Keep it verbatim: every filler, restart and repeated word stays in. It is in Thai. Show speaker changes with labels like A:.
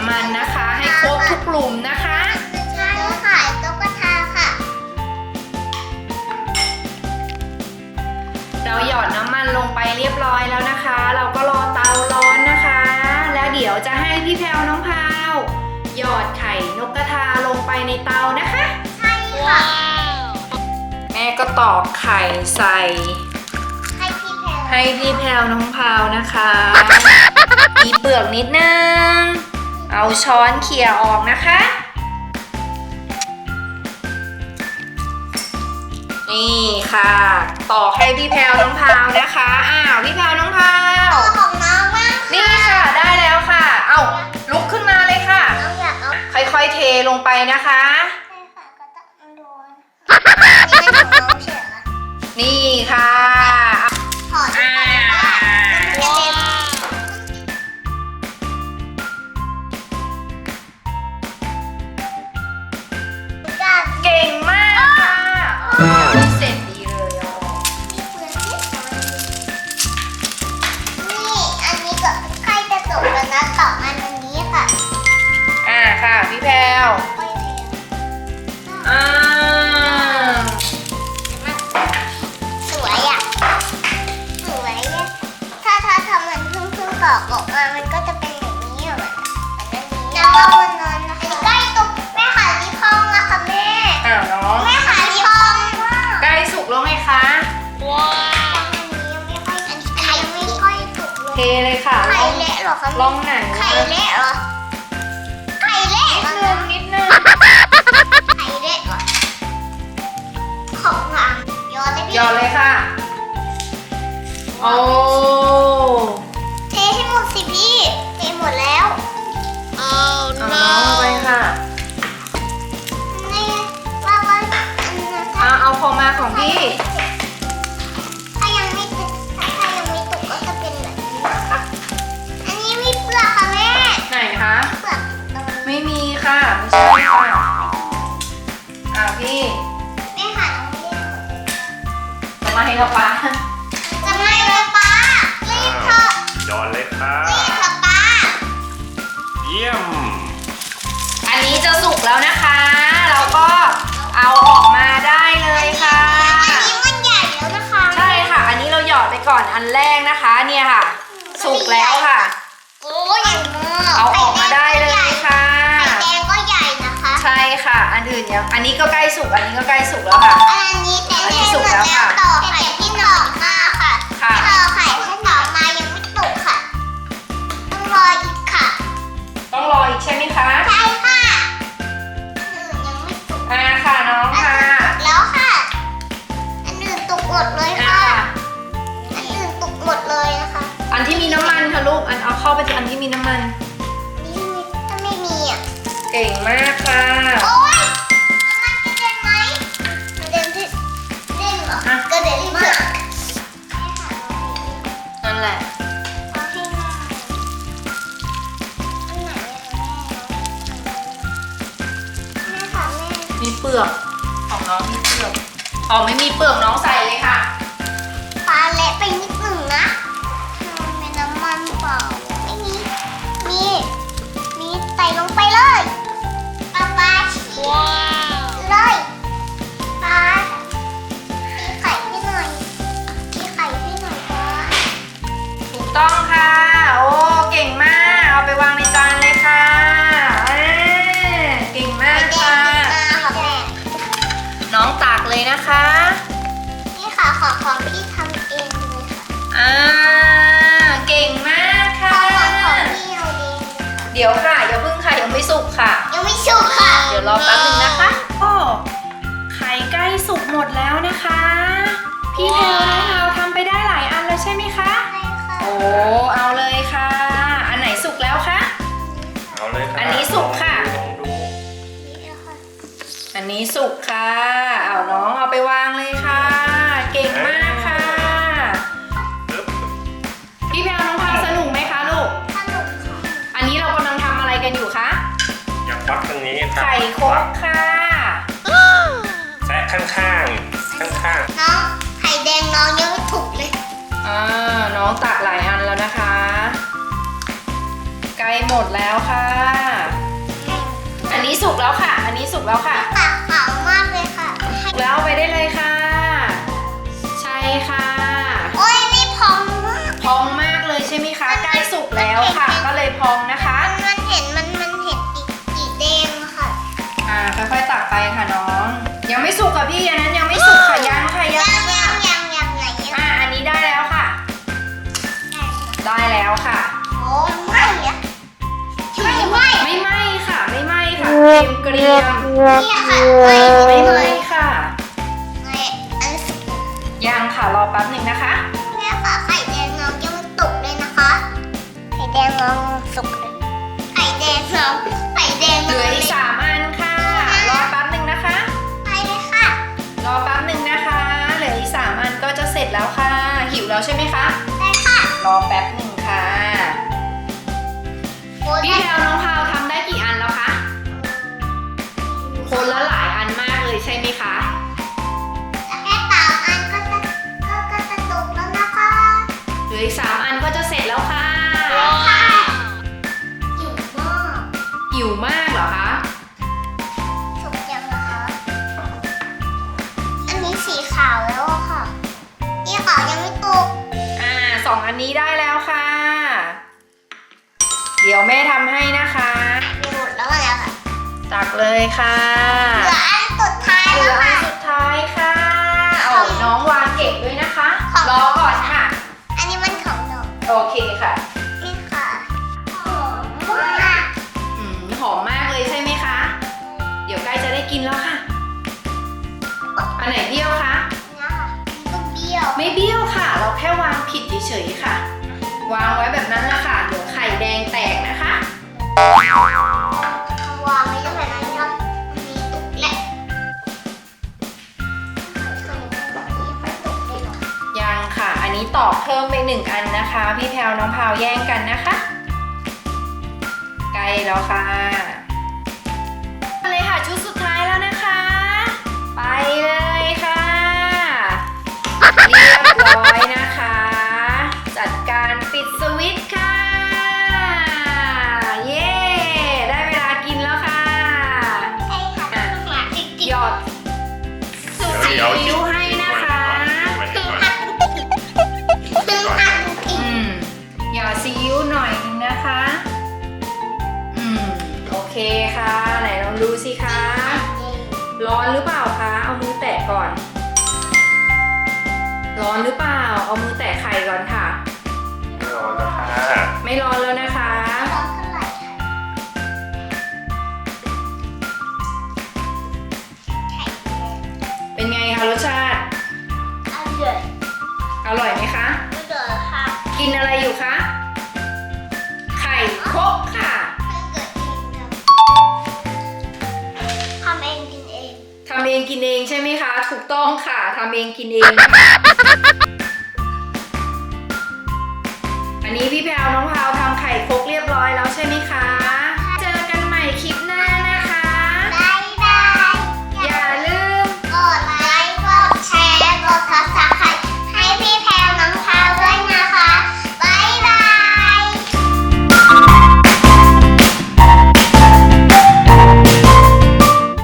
A: ำมันนะคะให้ครบทุกหลุมนะคะ
B: ใช่ค่ะตุ๊กตาค่ะ
A: เราหยอดน้ำมันลงไปเรียบร้อยแล้วนะคะ เราก็รอเตาร้อนนะคะ แล้วเดี๋ยวจะให้พี่แพรวน้องพาวหยอดไข่นกกระทาลงไปในเตานะคะ
B: ใช่ค่ะ
A: แม่ก็ตอกไข่ใส่
B: ให้พี่แพรว
A: ให้พี่แพรวน้องพาวนะคะมีเปลือกนิดนึงเอาช้อนเขี่ยออกนะคะนี่ค่ะต่อให้พี่แพรวน้องพาวนะคะอ้าวพี่แพรวน้องพาว
B: ของน้องมาก
A: นี่ค่ะได้แล้วค่ะเอาลุกขึ้นมาเลยค่ะค่อยๆเทลงไปนะคะนี่ค่ะ
B: ถอดอ่า
A: เก่งมากค่ะเสร็จดีเลยอ่ะ
B: นี่อันนี้ก็ใกล้จะจบแล้วนะต่ออันนี้ค่ะ
A: อ่าค่ะพี่แพรวอ่า
B: สวยอ่ะสวยอ่ะถ้าถ้าทำมันพึ่งพึ่งตอกออกมามันก็จะเป็นอย่างนี้อ่ะน้ำมันวนนอนนะคะใกล้ตกแม่ขาที่พองอะค่ะแม่
A: อ้าวน้อง
B: แม่ขาที่พอง
A: ใกล้สุกแล้วไงคะ
B: ว้าวอันนี้ยังไม่ค่อยอันนี้ยังไม่ค่อยสุกเลย
A: เทเลยค่ะ
B: ไข่เละเหรอคะ
A: ลองหนัง
B: ไข่เละเหรอไข่เละ
A: นิดนึงนิดนึง
B: ไข่เละเหรอของหลังยอดเลยพี่
A: ยอดเลยค่ะโอ้
B: เทให้หมดสิพี่เทหมดแล้วโอ้
A: no เอาไปค่ะ
B: นี่ว่าว่า
A: เอาเอาของมาของพี่
B: ถ้ายังไม่ถ้ายังไม่ตกก็จะเป็นแบบนี้นะคะอันนี้มีเปลือกค่ะแม่
A: ไหนคะ
B: เปลือก
A: ไม่มีค่ะไม่ใช่ค่ะอ่าพี่
B: แม่ค่ะน้องเรียน
A: จะมาให้เราป้า
B: จะไม่เลยป้ารีบเถอะ
C: ยอดเลยค่ะ
B: รีบเถอะป้า
C: เยี่ยม
A: อันนี้จะสุกแล้วนะคะ เราก็เอาออกมาได้เลยค่ะ
B: อันนี้มันใหญ่แล้วนะคะ
A: ใช่ค่ะอันนี้เราหยอดไปก่อนอันแรกนะคะเนี่ยค่ะสุกแล้วค่ะ
B: โอ้ใหญ่มาก
A: เอาออกมาได้เลยค่ะ
B: ไข่แดงก็ใหญ่นะคะ
A: ใช่ค่ะอันอื่นยังอันนี้ก็ใกล้สุกอันนี้ก็ใกล้สุกแล้วค่ะ
B: อันนี้แต่ที่สุกแล้วค่ะต่อไข่ที่หนอกมาค่ะต่อไข่ที่หนอกมายังไม่สุกค่ะต้องรออีกค่ะ
A: ต้องรออีกใช่ไหมคะ
B: ใช่ค่ะอื่นยังไม่สุก
A: อ่าค่ะน้องค่ะ
B: แล้วค่ะอันอื่นตกหมดเลยค่ะอันอื่นตกหมดเลยนะคะ
A: อันที่มีน้ำมันค่ะลูกอันเอาเข้าไปที่อันที่มีน้ำมัน
B: นี่ถ้าไม่มีอ่ะ
A: เก่งมากค่ะ
B: โอ๊ยน้ำมันกระเด็นไหมกระเด็นที่เด่นเหรอกระเด็นมาก
A: นั่นแหละ
B: เอาให้หน่อยอันไหนแม่ค่ะแม่
A: มีเปลือกของน้องมีเปลือกอ๋อไม่มีเปลือกน้องใส่เลยค่ะ
B: ปลาเละไปนิดหนึ่งนะมีน้ำมันเปล่าไม่มีมีมีใส่ลงไปเลยปลาปลาฉีเลยปลาตีไข่ให้หน่อยตีไข่ให้หน่อยก่อน
A: ถูกต้องค่ะโอ้เก่งมากเอาไปวางในจานเลยค่ะเก่งมากค่ะน้องตักเลยนะคะ
B: นี่ค่ะขอของพี่ทำเองเลยค่ะ
A: อ่าเก่งมากค่ะ
B: ของพี่เอาเอง
A: เดี๋ยวค่ะอย่าเพิ่งค่ะยังไม่สุกค่ะ
B: ยังไม่สุกค่ะ
A: เดี๋ยวรอแป๊บนึงนะคะโอ้ไข่ใกล้สุกหมดแล้วนะคะพี่แพรวน้องพาวทำไปได้หลายอันแล้วใช่ไหมคะ
B: ใช่ค่ะ
A: โอ้เอาเลยค่ะอันไหนสุกแล้วคะ
C: เอาเลยค่ะ
A: อันนี้สุกค่ะ
C: ลองดู
A: อันนี้สุกค่ะเอาน้องเอาไปวางเลยค่ะเก่งมากค่ะพี่แพรวน้องพาวสนุกไหมคะลูก
B: สนุกค่ะ
A: อันนี้เรากำลังทำอะไรกันอยู่คะ
C: อยากฟักตรงนี้ครับ
A: ไข่โคกค่ะ
C: แซะข้างข้างข้างข้าง
B: น้องไข่แดงน้องยังไม่ถูกเลย
A: อ่าน้องตักหลายอันแล้วนะคะใกล้หมดแล้วค่ะนี้สุกแล้วค่ะ อันนี้สุกแล้วค่ะ
B: ปากขาวมากเลยค่ะให้
A: สุกแล้วเอาไปได้เลยค่ะ ใช่ค่ะ
B: โอ้ยนี่พองมาก
A: พองมากเลยใช่ไหมคะ ใกล้สุกแล้วค่ะ ก็เลยพองนะคะ
B: มันมันเห็นมันมันเห็นอีกสีแดงค่ะ
A: อ่าค่อยๆตักไปค่ะน้อง ยังไม่สุกค่ะพี่อันนั้นยังไม่สุกค่ะยังค่ะยั
B: ยัง
A: ง
B: ยังยังยังไหนยัง
A: อ่าอันนี้ได้แล้วค่ะ ได้แล้วค่ะ
B: โอ้ไม่อะไม่ไม่
A: ไม่ไหม้ค่ะ ไม่ไหม้ค่ะเกรียมเกรียม
B: เนี่ยค่ะไม่
A: ไม่
B: ไม่
A: ไหม้ค่ะ
B: ไม่อันสุก
A: ยังค่ะรอแป๊บหนึ่งนะคะ
B: แม่ค่ะไข่แดงน้องยังตกเลยนะคะ ไข่แดงน้องสุกเลยไข่แดงน้องไข่แดง
A: เหลื
B: น้
A: อ
B: อง
A: อีกสามอันค่ะ รอแป๊บหนึ่งนะคะ
B: ไปเลยค่ะ
A: รอแป๊บหนึ่งนะคะ เหลืออีกสามอันก็จะเสร็จแล้วค่ะ หิวแล้วใช่ไหมคะ
B: ได้ค่ะ
A: รอแป๊บหนึ่งค่ะ
B: โอ้ย
A: พี่แพลวน้องพาวทำได้กี่อันแล้วคะ คนละหลายอันมากเลยใช่ไหมคะ
B: แค่สามอันก็จะก็ก็จะตกแล้วนะคะ
A: เหลืออีกสามอันก็จะเสร็จแล้วค่ะ
B: ค่ะอิ่มมาก
A: หิวมากเหรอคะ
B: สุกยังนะคะ อันนี้สีขาวแล้วอะค่ะสีขาวยังไม่ตก
A: อ่าสองอันนี้ได้แล้วค่ะ เดี๋ยวแม่ทำให้นะคะ
B: มีหมดแล้วแล้วค่ะ
A: ตักเลยค่ะ
B: เหลืออันสุดท้าย
A: เหลื
B: แล้
A: อ
B: ว
A: อัน
B: ค่ะ
A: สุดท้ายค่ะ เอาน้องวางเก็บด้วยนะคะ
B: ของ
A: รอก่อนค่ะ
B: อันนี้มันของหนู
A: โอเคค่ะ
B: นี่ค่ะหอมมาก
A: อืมหอมมากเลยใช่ไหมคะ เดี๋ยวใกล้จะได้กินแล้วค่ะ อันไหนเบี้ยวคะ
B: นะคะก็เบี้ยว
A: ไม่เบี้ยวค่ะ เราแค่วางผิดเฉยๆค่ะ วางไว้แบบนั้นแหละค่ะ เดี๋ยวไข่แดงแตกนะคะ
B: วางไว้ตรงไหนนะครับอันนี้ตกแหละไม่ตกเลยหรอ
A: ยังค่ะ อันนี้ตอกเพิ่มไปหนึ่งอันนะคะ พี่แพลวน้องพาวแย่งกันนะคะ ใกล้แล้วค่ะมาเลยค่ะชุดสุดท้ายแล้วนะคะ ไปเลยค่ะเรียบร้อยนะคะ จัดการปิดสวิตช์ค่ะ เย้ ได้เวลากินแล้วค่ะ
B: ใช่ค่ะต้องหาจริง
A: หยอดสูตรซีอิ๊วให้นะคะ
B: ๆคือหักคือหักจริ
A: อื
B: ง
A: มหยอดซีอิ๊วหน่อยนึงนะคะ อืม โอเคค่ะ ไหนลองดูสิคะ ร้อนหรือเปล่าคะ เอามือแตะก่อน ร้อนหรือเปล่า เอามือแตะไข่ก่อนค่ะ
C: รอแล้วค่ะ
A: ไม่ร้อนแล้วนะคะ
B: ร้อนเท่าไหร่ค่ะไข่แดง
A: เป็นไงคะรสชาติ
B: อร่อย
A: อร่อยไหมคะ
B: อร่อยค่ะ
A: กินอะไรอยู่คะ ไข่ครกค่ะ
B: ถ้าเกิดเองทำเองกินเอง
A: ทำเองกินเองใช่ไหมคะ ถูกต้องค่ะทำเองกินเองนะคะอันนี้พี่แพลวน้องพ